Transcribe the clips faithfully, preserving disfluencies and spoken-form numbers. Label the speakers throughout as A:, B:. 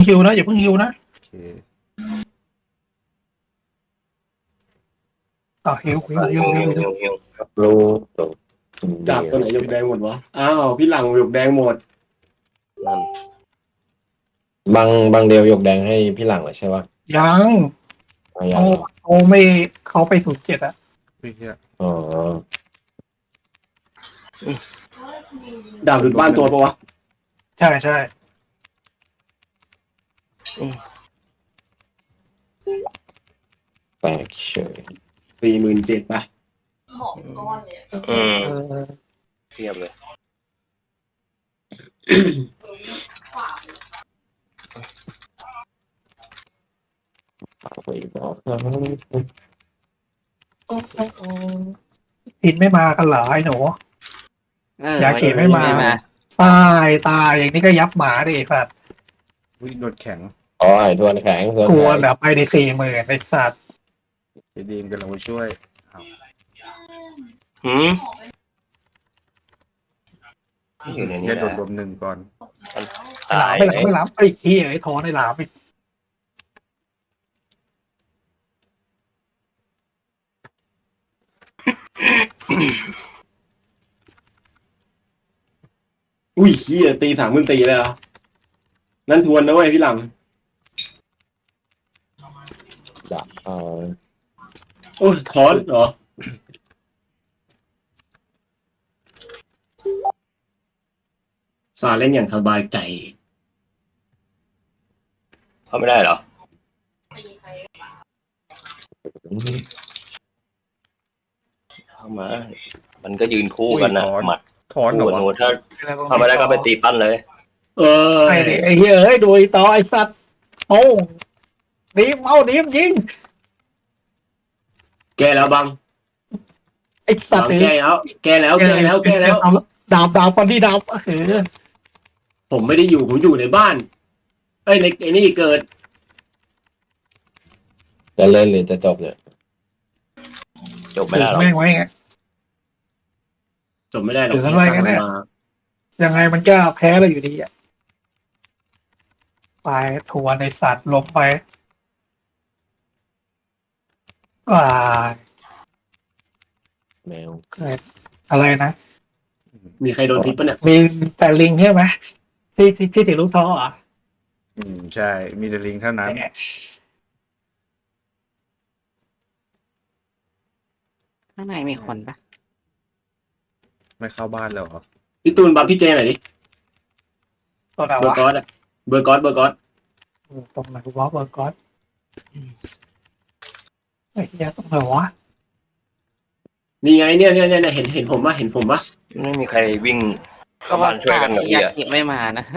A: ฮิวนะอย่าเพิ่งฮิวนะ
B: โอเค
A: อ่าฮิวฮิวฮิวฮิวฮิว
C: รู้ตัว
D: ดาบตัวไหนหยกแดงหมดวะอ้าวพี่หลังหยกแดงหมด
C: นั่นบางบางเดียวหยกแดงให้พี่หลังเหรอใช่ปะ
A: ยัง
C: อ๋อยั
A: เขา
C: งเหรอ
A: เขาไม่เขาไปศูนย์เจ็ดอะ
B: เฮ้ยเฮีย
C: อ๋อ
D: ดาบหลุดบ้านตัวปะวะ
A: ใช่ใช่
C: แปลกเฉย
D: สี่หมื่นเจ็ดป่ะ
E: หอมก้อนเลย
F: อืม
A: เออ
F: เทียบเลย
E: ขวา
C: ฝากไว้บอกนะ
A: โอ้โอ้โอ้พินไม่มากันเหรอไอ้หนู
G: เออย
A: าเขีไม่มา ตายตายอย่างนี้ก็ยับหมาดิสัตว์
B: อุ้ยโดนแข็ง
C: อ๋อไอ้ทวนแข็งทวน
A: กลัว
C: แข็ง
A: แบบไปในสี่หมื่นไอ้สัตว์
B: เจดีมกำลังมาช่วยอ้าว
F: หืมอยู่ในนี้
B: เนี่ยโด
F: นะ
B: นรวมหนึ่งก่อน
A: หลามไม่หลามไม่หลามไอ้เหี้ยไอ้ทอนไอ้หลามไอ้
D: อุ้ยเฮียตีสามหมื่นสี่เลยเหรอนั่นทวนนะเว้ยพี่หลัง
C: ดักเอา
D: โอ้ยถอนเหรอสาเล่นอย่างสบายใจ
F: เข้าไม่ได้เหรอ
E: ตีใคร
F: เข้ามา มันก็ยืนคู่กันนะหมัด
B: ถอนเหร
F: คู่
B: อ
F: กับหนู
B: วะ
F: ถ้าเข้าไม่ได้ก็ไปตีปั้นเลย
D: เออ
A: ไอ้ดิไอ้เหี้ยเอ้ยโดยต่อไอ้สัตว์โอ้ดีมเอาดีมยิง
D: แกแล้วบัง
A: ไอ้สัต
D: บั
A: ว์
D: ง
A: เอ้
D: แก
A: ย
D: แล้ว แกแล้วแกแล้วแกแล้ว
A: เอาดาบดาบฟันที่ดาบเออ
D: ผมไม่ได้อยู่ผมอยู่ในบ้าน เอ้ยในไอ้นี่เกิด
C: จะเล่นหรือจะจบเนี่ย
F: จบไม่ได้หรอก
A: แม่งไว้ไง
D: จบไม่ได้หรอก
A: เดี๋ยวทำไมกันเนี่ย
D: มา
A: ยังไงมันก็แพ้เราอยู่ดีอ่ะไปทัวร์ในสัตว์ลงไปอ่า
C: แมว
A: เกิดอะไรนะ
D: มีใครโดนพิษปะเนี่ย
A: มีแต่ลิงใช่ไหมที่ที่ที่ถือลูกท้ออ่ะ
B: อืมใช่มีแต่ลิงเท่านั้น
G: ข้างในมีคนปะ
B: ไม่เข้าบ้านแล้วเหรอ
D: พี่ตูนบัฟพี่เจหน่อยดิ
A: ตัวไหน
D: เบอร์
A: วะ
D: กอสอะเบอร์กอสเบอร์กอส
A: ตรงไหนวะเบอร์กอสไอ้เหี้ยตรงไหนวะ
D: นี่ไงเนี่ยเนี่ยเนี่ยเห็นเห็นผมปะเห็นผมปะ
F: ไม่มีใครวิ่งเข้าบ้านช่วยกันกับ
G: ยา
F: เฮีย
G: กิไม่มานะ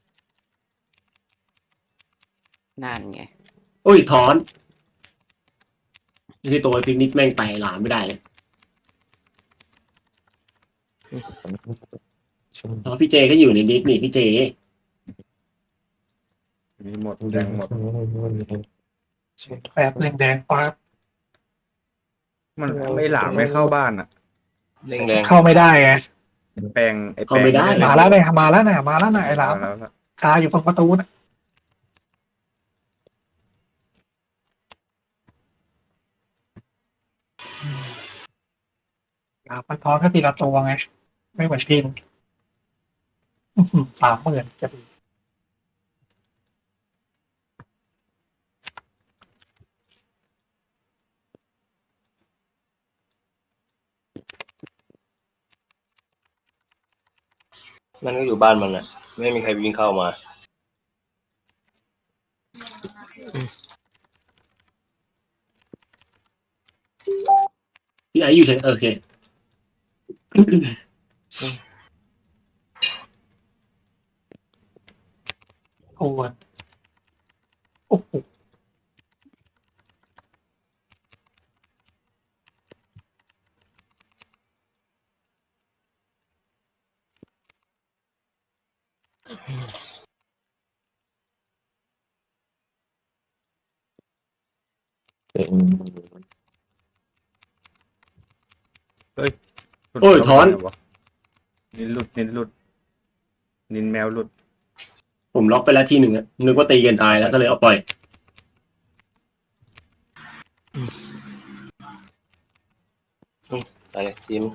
G: นั่นไง
D: โอ้ยถอนที่ตัวไอ้ฟิกนิกแม่งไปหลามไม่ได้เลยเพราะพี่เจก็อยู่ในดิสนี่พี่เจ
B: มีหมดแดงหมด
A: แปดแดงแดงปั๊บ
B: มันไม่หลามไม่เข้าบ้านอ่ะ
F: เร่งแรง
A: เข้าไม่ได้ไง
B: แปลงไอ้แปล
D: เข้างไม่ได้
A: มาแล้วเนี่ยมาแล้วเนี่ยมาแล้วเนี่ยไอ้หลาม
B: แล้วแล้ว
A: คาอยู่ตรงประตูนะหลามมันท้อนแค่ทีละตัวไง ไม่เหมือนพินอื้อหือสามหมื่นจะดี
F: มันก็อยู่บ้านมันอ่ะ ไม่มีใครวิ่งเข้ามา
D: พี่ไออยู่เฉยโอเค
A: โอ้โหโอ้โห
B: หลุด
D: โอ้ยถอน
B: เข้าบ้าเหรวะนินหลุดนินหลุดนินแมวหลุด
D: ผมล็อกไปแล้วทีหนึ่งอะนึกว่าตีกันตายแล้วก็เลยเอาปล่อย
F: ไปเลยทีม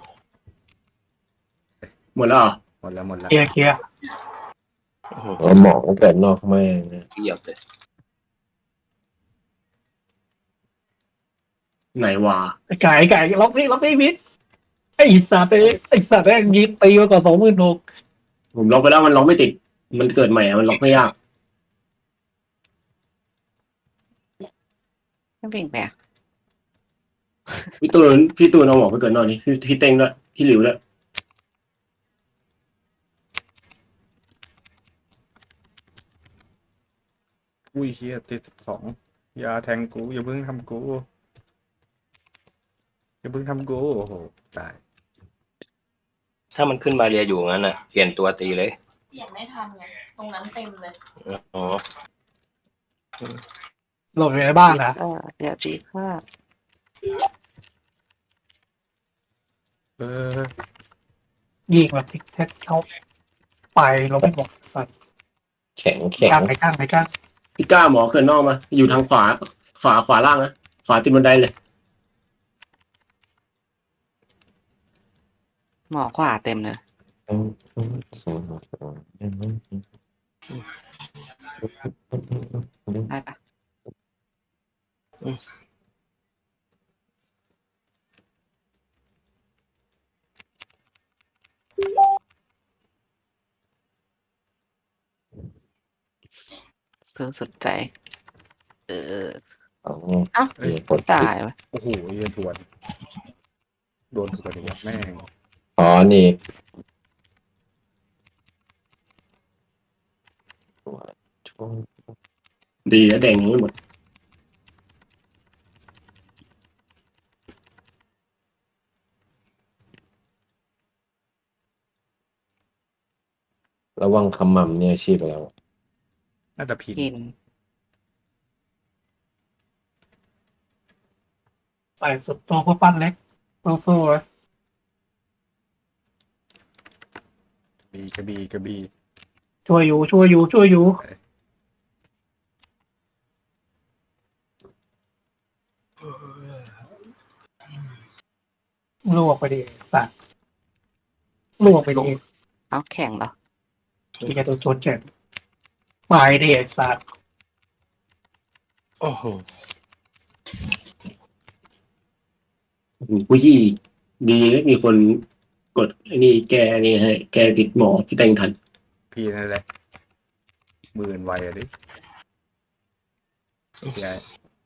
D: หมดแล้วเหรอ
B: หมดแล้วหมดแล้ว
A: เคลียร์เคลียร์
F: อื้อหือ
C: เอาหมอเกิดนอกแม่งนะ
F: เกียบเลย
D: ไหนวะ
A: ไอ้ไก่ไอ้ไก่ล็อกนี่ล็อกนี่มิดไอ้สัตว์เอ้ยไอ้สัตว์แม่งยิงตีมาก่อนสองหมื่นหก
D: ผมล็อกไปแล้วมันล็อกไม่ติด มันเกิดใหม่อะมันล็อกไม่ยาก
G: ไม่วิ่งไปอ่ะ
D: พี่ตูนพี่ตูนเอาหมอไปเกิดนอกนี่พี่พี่เต้งด้วยพี่หลิวด้วย
B: อุ้ยเฮียติดสองอย่าแทงกูอย่าเพิ่งทำกูอย่าเพิ่งทำกูโอ้โหตาย
F: ถ้ามันขึ้นมาเรียอยู่งั้นน่ะเปลี่ยนตัวตีเลย
E: เปลี่ยนไม่ทันไงตรงนั้นเต็มเลย
F: อ๋อ
A: หลบอยู่ในบ้านนะ
G: เออเดี๋ยวตีข้า
B: เออ
A: ยิงแบบทิกแท็กเข้าไปลบไม่หมดสัตว์
C: แข็งแข็ง
A: ก้างไปก้างไปก้าง
D: พี่ก้าหมอเกิดนอกมา อยู่ทางขวาขวาขวาล่างนะขวาติดบันไดเลย
G: หมอขวาเต็มเลย ได้ปะซื้อสุดใจ เออ เอ้า
C: เอ้ยกด
G: ตายวะ
B: โอ้โหเฮียสวนโดนสวนอีกแล้วแม่ง
C: อ๋อนี่
D: ดีแล้วแดงยังไม่หมด
C: ระวังคำมั่มเนี่ยชีพไปแล้ว
B: น่าจะพิน
G: กิน
A: ใส่สุดตัวเพื่อปั้นเล็กสู้ๆเลย
B: บีกระบีกระบี
A: ช่วยอยู่ช่วยอยู่ช่วยอยู่ลวกไปดิสัตว์ลวกไปดิ
G: เอาแข่งเหรอ
A: ที่จะโดนโจนเจ็บไปดิไอ้สัตว์
F: โอ้โห
D: ผู้ยี่ดีนะมีคนกดไอ้นี่แกนี่ให้แกติดหมอที่แต่งทัน
B: พี่นั่นแหละหมื่นไวอะดิยาย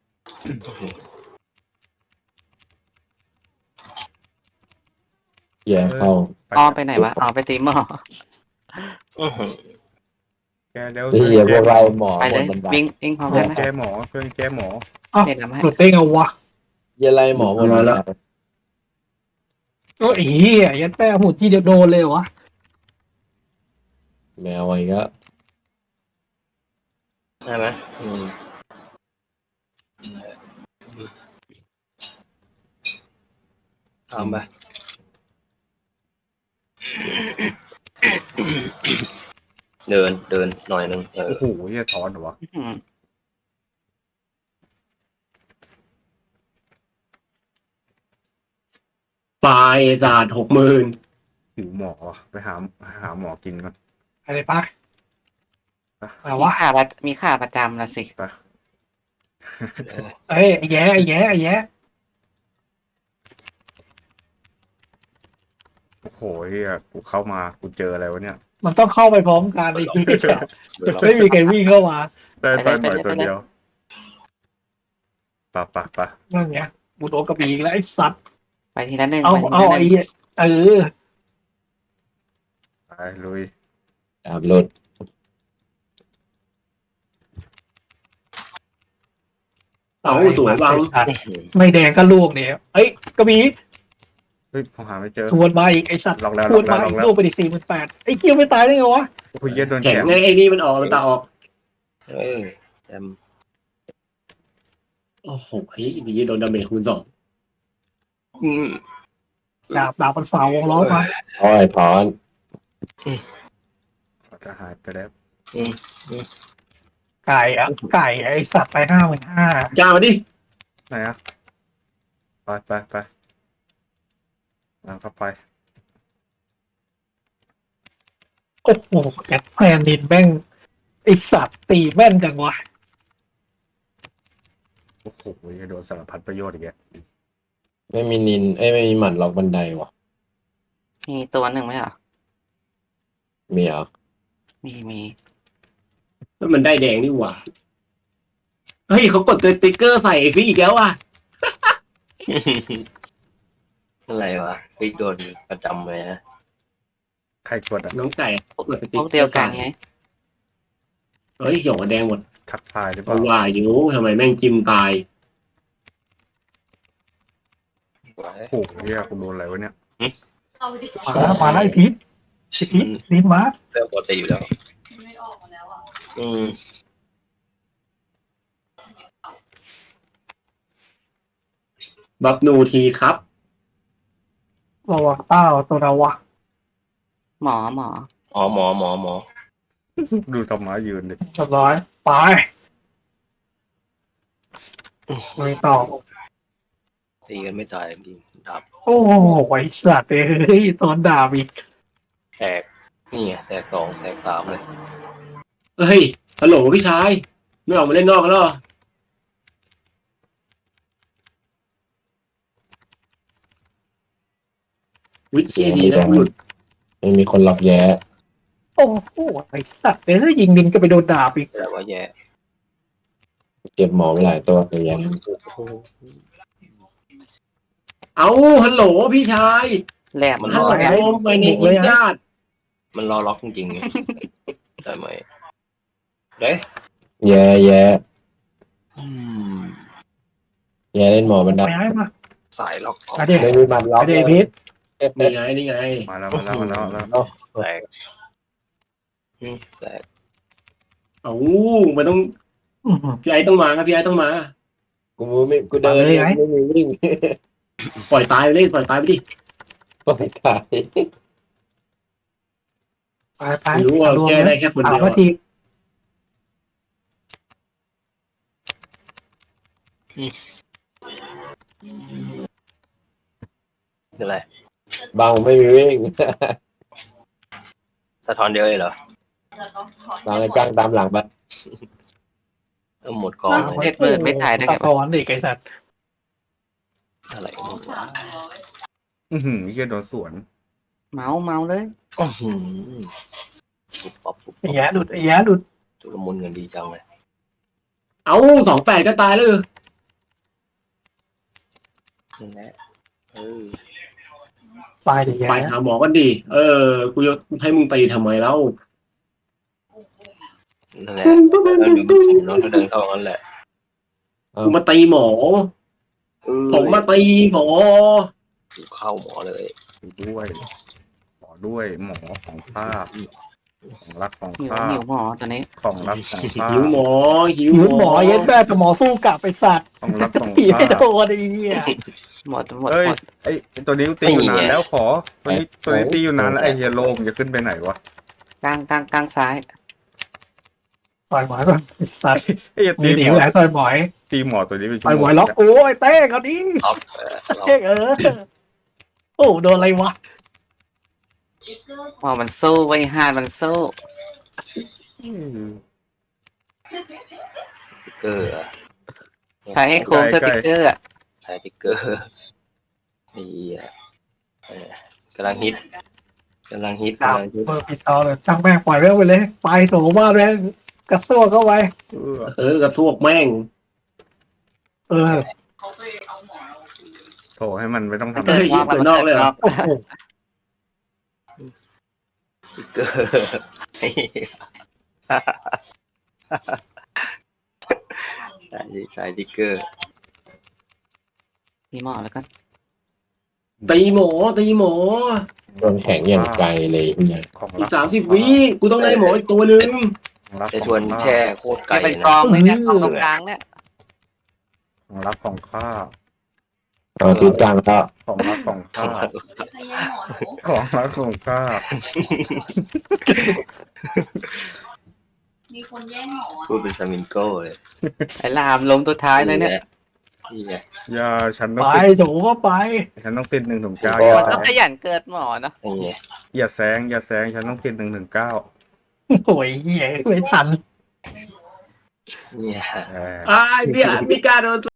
C: แย่เข้า
G: ออมไปไหนวะออมไปตีหมอ
F: อื้อหือ
B: แกเดี๋ยว
C: ที่พวกเราหมอ
G: ไป
C: หม
G: เล
C: ด
G: ย
C: บันได
G: วิ่งวิ่งพร้อม
B: เพื่
G: กั
B: อน น
G: ไหม
B: แกหมอเพื่อนแกหมอ
A: อ้าว
G: เดี๋ยวทำให้
A: หลุดได้ไงวะ
C: เยอะไรหมอหมดบันได
A: ก็อีเหี้ยยันแป้หมดที่เดียวโดนเลยวะ
C: แมวอีกแล้ว
F: ใช่ไหมอืมทำไปเดินเดินหน่อยนึงเออ
B: โอ้โหเฮียถอนเหรอวะ
G: อืม
D: ปลายศาสตร์หกหมื่น
B: หิวหมอวะไปหาหาหมอกินก่อน
A: อะไรปะแต่
G: มี
A: ว่า
G: ขาประมีขาประจำละสิ
B: ไป
A: เอ้ยไอ้แย่ไอ้แย่ไอ้แย่
B: โอ้โหเฮียกูเข้ามากูเจออะไรวะเนี่ย
A: มันต้องเข้าไปพร้อมกันไอ้เหี้ย
F: เดินรอบ
A: ไม่มีใครวิ่งเข้ามา
B: ได้ตอนหน่อยตัวเดียวปะปะปะ
A: นั่นไงบุโดนกระบี่อีกแล้วไอ้สัตว์
G: ไปทีละหนึ่ง
A: เอา
G: ไปที
A: เอา
G: ละห
A: ไอ้
G: นึ่ง
A: เหี้ยเออ
B: ไปลุย
C: ดาบหลุด
D: เอาสวยวัง
A: ไอ้สัตว์ไม่แดงก็ลวกเนี่ยเอ้ยกระบี่
B: เฮ้ยผมหาไม่เจอ
A: ทวนมาอีกไอ้สัตว์
B: ลองแล้ว
A: ทวนมา
B: ลอง
A: อีก
B: แล้ว
A: ลวกไปดิสี่หมื่นแปดไอ้เกี้ยวไม่ตายได้ไงวะ
B: โอ้โหเฮียโดน
D: แข็
B: แข
D: ง
B: น
D: ไงไอ้นี่มันออกมันตาออก
F: เออแอม
D: โอ้โหเฮ้ยดีโดนดาเมจคูณสอง
F: อืม
A: ดาบดาบมันฝ่าวงล้อมา
C: อ้อยถอน
B: จะหายไปแล้ว
F: อืม
A: ไก่อะไก่ไอสัตว์ไปห้าหมื่นห้า
D: จ้ามาดิ
B: ไหนอะไปไปไปเอาเข้าไป
A: โอ้โหแกแพนดินแม่งไอสัตว์ตีแม่นจังวะ
B: โอ้โหโดนสารพัดประโยชน์อีกแก
C: ไม่มีนินเอ้ยไม่มีหมัดล็อกบันไดวะ
G: มีตัวหนึ่งไหมเหรอ
C: มีเหรอ
G: มีมี
D: แล้วมันได้แดงนี่หว่าเฮ้ยเขากดตัวติ๊กเกอร์ใส่ฟรีอีกแล้วอ่ะ
F: อะไรวะไปโดนประจำเลยนะ
B: ใครกดอะ
D: น้องไก่กดส
G: พ
D: ติ๊ก
G: วก
D: เก
G: เดี
D: อ
G: ยว
D: ร์
G: กั
D: ใส่
G: นไง
D: เฮ้ยหยกแดงหมด
B: ทักทายหรือเป
D: เพราะ
B: ล่า
D: ว่าอยู่ทำไมแม่งจิ้มตาย
B: โอ้โหเฮียกูโดนอะไรวะเนี่ย
E: เอาดิ
A: มาแล้วมาแล้วไอพีทไอพีทลินมา
F: เรื่องปกติอยู่แล้ว
E: ไม่ออกมาแล้วอ่ะ
F: อืม
D: บัฟนูทีครับ
A: ระวังเต้าตัวระวัง
G: หมอหมอ
F: อ๋อหมอหมอหมอ
B: ดูธรรมะยืนดิ
A: เรียบร้อยไปไม่ต่อ
F: ตีกันไม่ตายจริงๆดับ
A: โอ้โหไอสัตว์เอ้ยตอนด่าอีก
F: แตกนี่ไงแตกสองแตกสามเลย
D: เฮ้ยฮัลโหลพี่ชายไม่ออกมาเล่นนอกกันแล้วเหรอวิเชียดีนะหลุด
C: ไม่มีคนล็อกแย้
A: โอ้โหไอสัตว์เอ้ยยิงดินก็ไปโดนด่าอีก
F: แต่ว่าแย่
C: เก็บหมอไว้หลายตัวเลยแย้
D: เอาฮัลโหลพี่ชาย
G: แหลม
F: มัน
D: ฮัล
F: ร
D: โห
F: อ
D: ลไม่เนมญาติ
F: มันรอล็อกจริงๆไงได้ไหมเด้
C: แย้แย้
F: อืม
C: แย้เล่นหมอบันได
A: ไปให้มา
F: สายล็อกออก
A: อะเด็ก
C: ไม่มีหมัดล็อก
A: อะเด็กพีท
D: นี่ไงนี่ไง
B: มาแล้วมาแล้วมาแล้วแล้ว
F: แตกอืมแตก
D: เอามันต้อง
A: อื้อหือ
D: พี่ไอ้ต้องมาครับพี่ไอ้ต้องมา
C: กูไม่กูเดิน
A: มาเลยไง
C: ไม่มีวิ่ง
D: ปล่อยตายไปเลยปล่อยตายไปดิ
C: ปล่อยตาย
A: ไปไป
D: ไม่รู้ว่า
A: อารมณ์
D: แก้ได้แค่คน
A: ถา
D: เดี
A: ม
D: ยว
A: ว่า
D: อะ
A: ที
F: คืออะไร
C: บางไม่มีวิ่ง
F: สะท้อนเดียวเลยเหรอ
E: แล้วก็ถอน
C: บางไอ้จ้างตามหลังไป
F: เออหมดกองเลย
G: เจ็ดหมื่นไม่ตายได้
A: ตะ
G: ไง
A: กอนอีกไอสัตว์
F: อะไร
E: สองสามร้อย
B: อือหือเฮียโดนสวน
G: เมาเมาเลย
F: อื้อหือปุ๊บปั๊บปุ๊บ
A: ไอ้แย่หลุดไอ้แย่หลุด
F: จุลมุนเงินดีจังเลย
D: เอาสองแปดก็ตายเลย
F: นั่นแหละเออ
A: ตายดิแย่
D: ไปหาหมอกันดิเออกูจะให้มึงตีทำไมเล่า
F: นั่นแหละแล้วดึงน้องจะเดินเข้างั้นแหละ
D: กูมาตีหมอ
F: เออ
D: ผมมาตีหมอ
F: เข้าหมอเลย
B: ด้วยหมอด้วยหมอของข้าของรักของ
G: หิว
B: ข้า
G: หิวหมอตัวนี้
B: ของรักของข้า
D: หิวหมอหิว
A: หิวหมอเย็ดแม่แต่หมอสู้กลับไปสัตว์
B: ของรักของ
A: ผี
B: ข้า
A: ไม่โดนไอ้เหี้ย
G: หมดหมด
B: เอ้ย
G: หมด
B: ไอไอ้ตัวนี้ตีอยู่นานแล้วขอตัวนี้ตัวนี้ตีอยู่นานแล้วไอเฮียโลมจะขึ้นไปไหนวะ
G: กลางกลางกลางซ้าย
A: ต่อยหมอยก่อนไอ้สัตว์
B: ไอ้ย
A: มี
B: ตี
A: หนี
B: หมอ
A: ไหนต่อยหมอย
B: ตีหมอตัวนี้เป็นชั่
A: ต่อยว ห
B: โม
A: ม
B: ง
A: อยล็อกกูไอ้เต้งเอาดิ
F: ล็อกเออล็อก
A: เต้งเออโอ้โดนอะไรวะ
E: อีกเกอร์
G: หมอมันสู้ไว้ยฮาดมันสู้
B: อืม
F: สติ๊กเกอร์อะ
G: ใช้ให้โค้งสติ๊กเกอร์อะ
F: ใช้สติ๊กเกอร์ไอ้เหี้ยเออกำลังฮิตกำลังฮิต
A: ดาว
F: กำลังฮิต
A: เปิดปิดตอเลยตั้งแม่งปล่อยแม่งไปเลย ไปโถบ้านแม่งกระซวกเข้าไป
B: เออ
D: เออกระซวกแม่ง
A: เออ
E: เขาไปเอาหมอเราคืน
B: โถให้มันไม่ต้องทำ
D: เอ้ยยิงตัวนอกเลยเหรอ
A: โอ้โห
F: สติ๊กเกอร์ใส่ใส่สติ๊กเกอร์
G: มีหมอแล้วกัน
D: ตีหมอตีหมอ
C: โดนแข็งอย่างไกลเลยเนี่ย
B: ของ
D: อี
B: รั
D: กสามสิบวิกูต้องได้หมออีกตัวหนึ่ง
B: ของรัก
F: แต่
B: ข
F: ช
B: อ
F: วน
B: งข้า
F: แช่โคตรไกล
G: จะเป็น
F: เลย
G: กอ
F: นะ
G: งเลยเนี่ยกองตรงกลางเนี่ย
B: ของรักของข้า
C: เอาตีกลางแล้ว
B: ของรักของข้า
E: พยายามหมอหนู
B: ของรักของข้า
E: มีคนแย่งหมอ
F: พูดเป็นสมิงโก้เลย
G: ไอ้ลามลงตัวท้ายเลยเนี่ย
F: นี่ไง
B: ยาฉันต้อง
A: ไป
B: ติด
A: โถก็ไป
B: ฉันต้องติดหนึ่งถึงเก้า
F: ก็
B: อย่า
G: ต้องขยันเกิดหมอเนาะ
F: นี่ไง
B: อย่าแซงอย่าแซงฉันต้องติดหนึ่งถึงเก้า
A: โอ้ยเหี้ยไม่ทัน
F: เนี่ย
B: เออ
D: อ่าเนี่ยมีการโดน